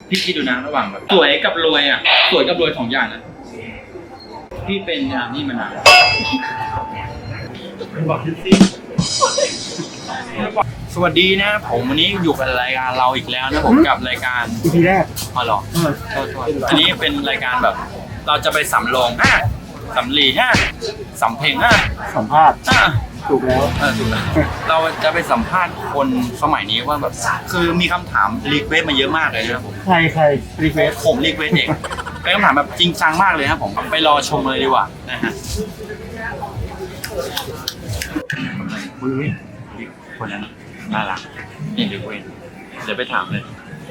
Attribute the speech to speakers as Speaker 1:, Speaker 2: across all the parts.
Speaker 1: พี่คิดดูนะระหว่างแบบสวยกับรวยอ่ะสวยกับรวย2 อย่างนะพี่เป็นนี่มานานบอกสิสวัสดีนะผมวันนี้อยู่กับรายการเราอีกแล้วนะผมกับรายการ
Speaker 2: EP แรก
Speaker 1: อ๋อเหรออันนี้เป็นรายการแบบเราจะไปสำโรงสำลีสำเพ็ง
Speaker 2: สัมภาษณ์ถูกแล้ว
Speaker 1: ถูกแล้วเราจะไปสัมภาษณ์คนสมัยนี้ว่าแบบคือมีคำถามรีเควสมาเยอะมากเลยนะครับผม
Speaker 2: ใครรีเควส
Speaker 1: ผมรีเควสเองเป็นคำถามแบบจริงจังมากเลยครับผมไปรอชมเลยดีกว่านะฮะคนนั้นน่ารักนี่รีเควสเดี๋ยวไปถามเลย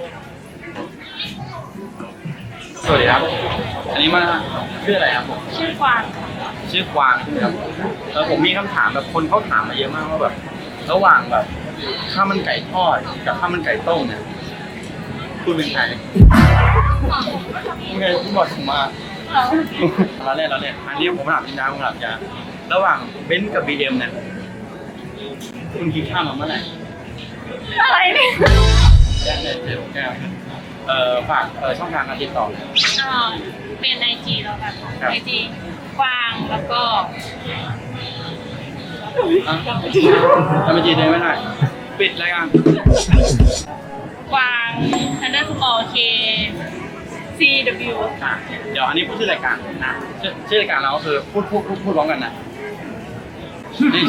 Speaker 1: สวัสดีครับอันนี้มาชื่ออะไรครับผม
Speaker 3: ชื่อกวาง
Speaker 1: ใช่ไหมครับผมมีคำถามแบบคนเขาถามมาเยอะมากว่าแบบระหว่างแบบข้าวมันไก่ทอดกับข้าวมันไก่ต้มเนี่ยคุณเป็นใครไงคุณบอกผมมาเราเล่นอันนี้ผมถามจริงๆผมถามจริงระหว่างเบนซ์กับบีเอ็มเนี่ยคุณคิดข้ามมาเมื่อไหร่
Speaker 3: อะไรเนี่ย
Speaker 1: แก้วฝากช่องทางการติดต่อ
Speaker 3: เป็น IG แล้วกัน IG กวางแล้วก็
Speaker 1: ทำไมจีได้ไม่ได้ปิดรายการ
Speaker 3: กวาง _ K CW
Speaker 1: เดี๋ยวอันนี้พูดชื่อรายการนะชื่อรายการเราก็คือพูดร้องกันนะนี่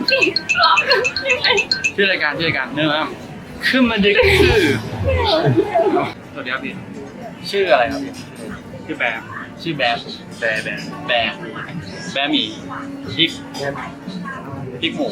Speaker 1: ชื่อรายการเนื้อขึ้นมาดึกสวัสดีครับพี่ชื่ออะไรครับพี่ชื่อแบร์หมี่พริกหมู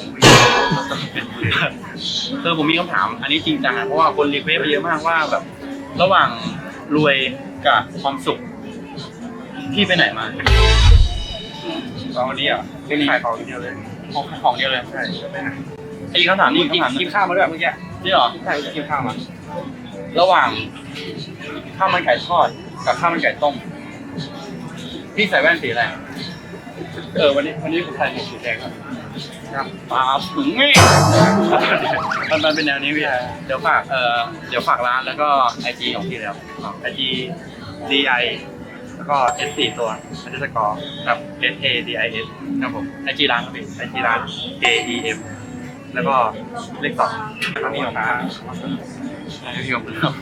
Speaker 1: ผมมีคำถามอันนี้จริงจังนะเพราะว่าคนรีเควสไปเยอะมากว่าแบบระหว่างรวยกับความสุขพี่ไปไหนมาตอนนี้เป็นขายของเดียวเลยของเดียวเลยใช่ไอ้คำถามนี้กินข้าวมาด้วยเมื่อกี้นี่หรอใช่กินข้าวมาระหว่างข้าวมันไก่ทอดกับข้าวมันไก่ต้มพี่ใส่แว่นสีอะไรวันนี้ผมใส่หมวกสีแดงครับป๊าบถึงไงมันเป็นแนวนี้พี่เดี๋ยวฝากร้านแล้วก็ IG ของพี่แล้ว IG DI แล้วก็ S4 ตัว_กับ SADIS ครับผม IG ร้านครับพี่ IG ร้าน KEM แล้วก็เลข2ครับพี่ของร้านพี่ของเรา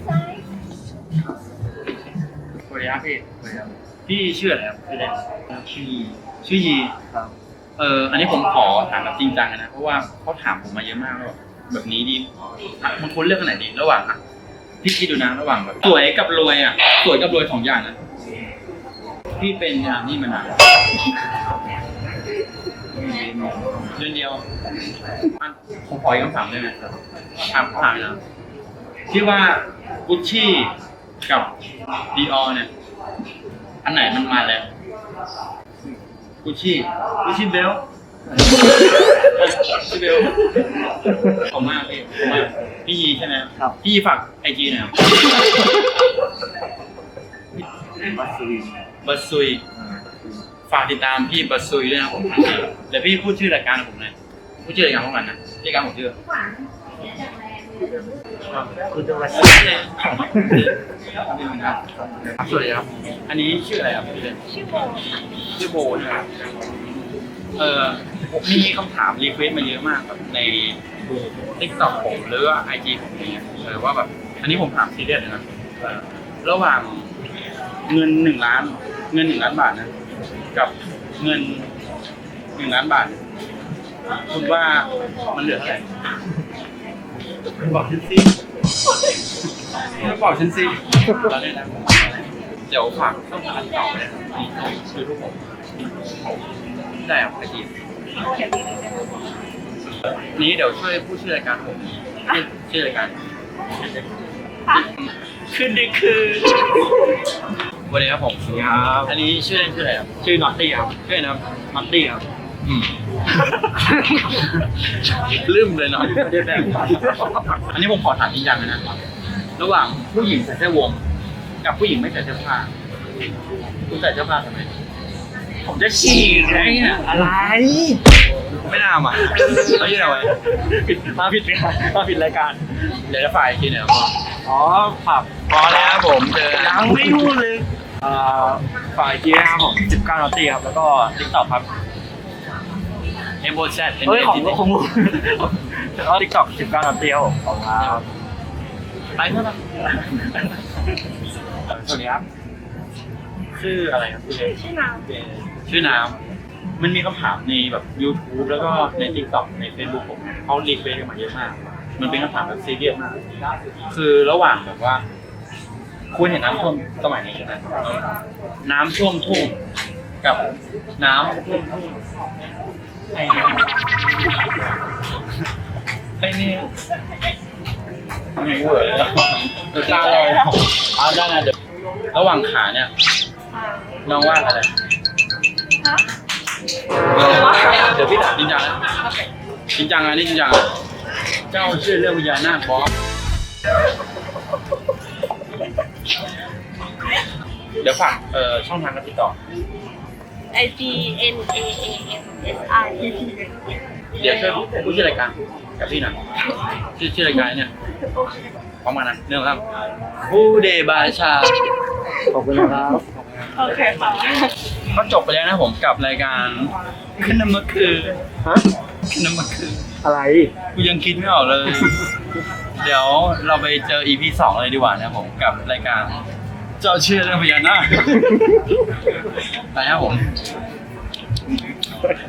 Speaker 1: สวัสดีครับพี่ชื่ออะไรครับชื่อเล่นชื่อยีครับอันนี้ผมขอถามแบบจริงจังนะเพราะว่าเขาถามผมมาเยอะมากว่าแบบนี้ดีบางคนเลือกอันไหนดีระหว่างพี่คิดดูนะระหว่างแบบสวยกับรวยสวยกับรวย2 อย่างนะพี่เป็นนี่มานานเดือนเดียวผมขออีกคำถามได้ไหมถามนะที่ว่ากุชชี่กับดีออเนี่ยอันไหนมันมาแล้วกุชชี่เบลขอบมากพี่ยีใช่ไหมครับพี่ฝากIG หน่อยบัสซุยฝากติดตามพี่บัสซุยด้วยนะผมเดี๋ยวพี่พูดชื่อรายการผมหน่อยพูดชื่อรายการของมันนะรายการผมชื่อ
Speaker 2: คุณจะมา
Speaker 1: สวัสดีครับอันนี้ชื่ออะไรครับพี่เล่นชื่อโบนะครับมีคำถามรีเควสมาเยอะมากแบบใน TikTok ผมหรือว่า IG ผมเนี่ยว่าแบบอันนี้ผมถามซีเรียสนะระหว่างเงิน1 ล้านบาทนะกับเงิน1 ล้านบาทคุณว่ามันเหลือเท่าไหร่บอกฉันสิเราเนี่ยนะเดี๋ยวฝากต้องการต่อเลยคือทุกผมได้ครับอาชีพนี้เดี๋ยวช่วยพูดชื่อรายการผมชื่อรายการขึ้นดีคือวันนี้ครับผมครับอันนี้ชื่อเล่นชื่ออะไรครับชื่อน็อตตี้ครับชื่ออะไรนะน็อตตี้ครับลืมเลยเนาะไม่ได้แบบอันนี้ผมขอถามจริงจังเลยนะระหว่างผู้หญิงใส่เสื้อวงกับผู้หญิงไม่ใส่เสื้อผ้าคุณใส่เสื้อผ้าทำไมผมจะฉี่ไงอะไรไม่น่ามาเขายื่นเอาไว้
Speaker 2: มาผิดรายการ
Speaker 1: เดี๋ยวจะฝ่ายอีกทีหนึ่ง
Speaker 2: อ๋อผับ
Speaker 1: พอแล้วครับผมเจอ
Speaker 2: ยังไม่พูดเลยฝ่ายกี้นะครับผม19 นาทีครับแล้วก็ TikTok ครับ
Speaker 1: เอ็มโบแซด
Speaker 2: เฮ้ยของมูแล้วก็ TikTok 19 นาทีครับผมของครับ
Speaker 1: ไปเท่าไหร่
Speaker 2: สวัสดีครับชื่ออะไรครับพี่เล็ก
Speaker 3: ชื่อน้
Speaker 1: ชื่อน้ำมันมีคำถามในแบบ YouTube แล้วก็ใน TikTok ใน Facebook ผมเขารีเควสกันมาเยอะมาก มันเป็นคำถามแบบซีเรียสมาก คือระหว่างแบบว่า คุณเห็นน้ำท่วมสมัยนี้ใช่ไหมน้ำท่วมทุ่งกับน้ำท่วมทุ่งไอ้นี่ไม่เวอร์เลยตาลอยเอาได้นะเดี๋ยวระหว่างขาเนี่ย
Speaker 3: ำ
Speaker 1: น้องว่าอะไร
Speaker 3: ฮะ
Speaker 1: เดี๋ยวพี่ถามจริงจังนะจริงจังอันนี้จริงจังอะเจ้าเชื่อเรื่องวิญญาณนาคบอสเดี๋ยวฝากช่องทางการติดต่อ
Speaker 3: IG NAAMSI
Speaker 1: เดี๋ยวช่วยพูดชื่อรายการกับพี่หน่อยชื่อรายการเนี่ยพร้อมกันนะเรื่องครับผู้เดบาชา
Speaker 2: ขอบคุณนะครับ
Speaker 3: โอเคค่ะ
Speaker 1: ก็จบไปแล้วนะผมกับรายการขึ้นน้ำมันคือ
Speaker 2: ฮะ
Speaker 1: ขึ้นน้ำมันคือ
Speaker 2: อะไร
Speaker 1: กูยังคิดไม่ออกเลย เดี๋ยวเราไปเจอ EP 2 เลยดีกว่านะผมกับรายการเจ้าเชื่อเรื่องพญานาคไปครับผม